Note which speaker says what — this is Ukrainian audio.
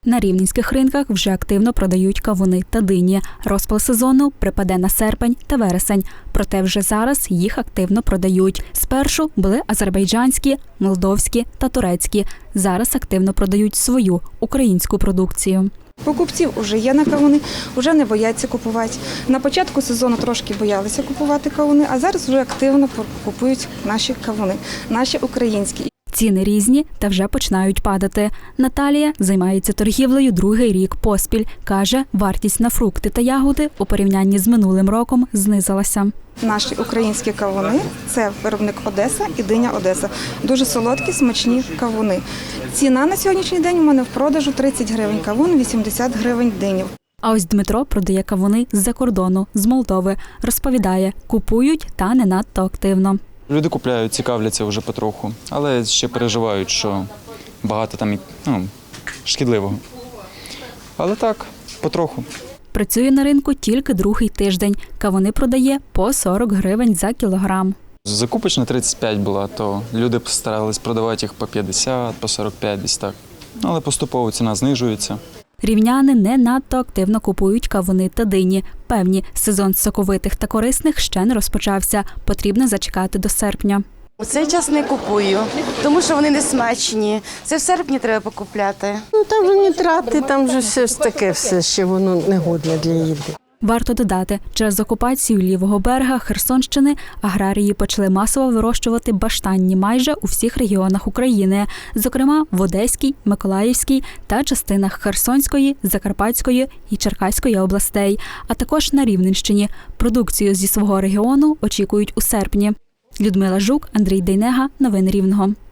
Speaker 1: На рівненських ринках вже активно продають кавуни та дині. Розпал сезону припаде на серпень та вересень. Проте вже зараз їх активно продають. Спершу були азербайджанські, молдовські та турецькі. Зараз активно продають свою українську продукцію.
Speaker 2: Покупців вже є на кавуни, вже не бояться купувати. На початку сезону трошки боялися купувати кавуни, а зараз вже активно купують наші кавуни, наші українські.
Speaker 1: Ціни різні та вже починають падати. Наталія займається торгівлею другий рік поспіль. Каже, вартість на фрукти та ягоди у порівнянні з минулим роком знизилася.
Speaker 2: Наші українські кавуни – це виробник Одеса і диня Одеса. Дуже солодкі, смачні кавуни. Ціна на сьогоднішній день у мене в продажу 30 гривень кавун, 80 гривень динів.
Speaker 1: А ось Дмитро продає кавуни з-за кордону, з Молдови. Розповідає, купують та не надто активно.
Speaker 3: Люди купляють, цікавляться вже потроху, але ще переживають, що багато там шкідливого. Але так, потроху.
Speaker 1: Працює на ринку тільки другий тиждень. Кавуни продає по 40 гривень за кілограм.
Speaker 3: Закупочна 35 була, то люди старались продавати їх по 50, по 45 десь так. Але поступово ціна знижується.
Speaker 1: Рівняни не надто активно купують кавуни та дині. Певні, сезон соковитих та корисних ще не розпочався. Потрібно зачекати до серпня.
Speaker 4: У цей час не купую, тому що вони не смачні. Це в серпні треба покупляти.
Speaker 5: Там вже нітрати, там вже все ж таке, все ще воно негодне для їди.
Speaker 1: Варто додати, через окупацію лівого берега Херсонщини аграрії почали масово вирощувати баштанні майже у всіх регіонах України, зокрема в Одеській, Миколаївській та частинах Херсонської, Закарпатської і Черкаської областей, а також на Рівненщині. Продукцію зі свого регіону очікують у серпні. Людмила Жук, Андрій Дейнега. Новини Рівного.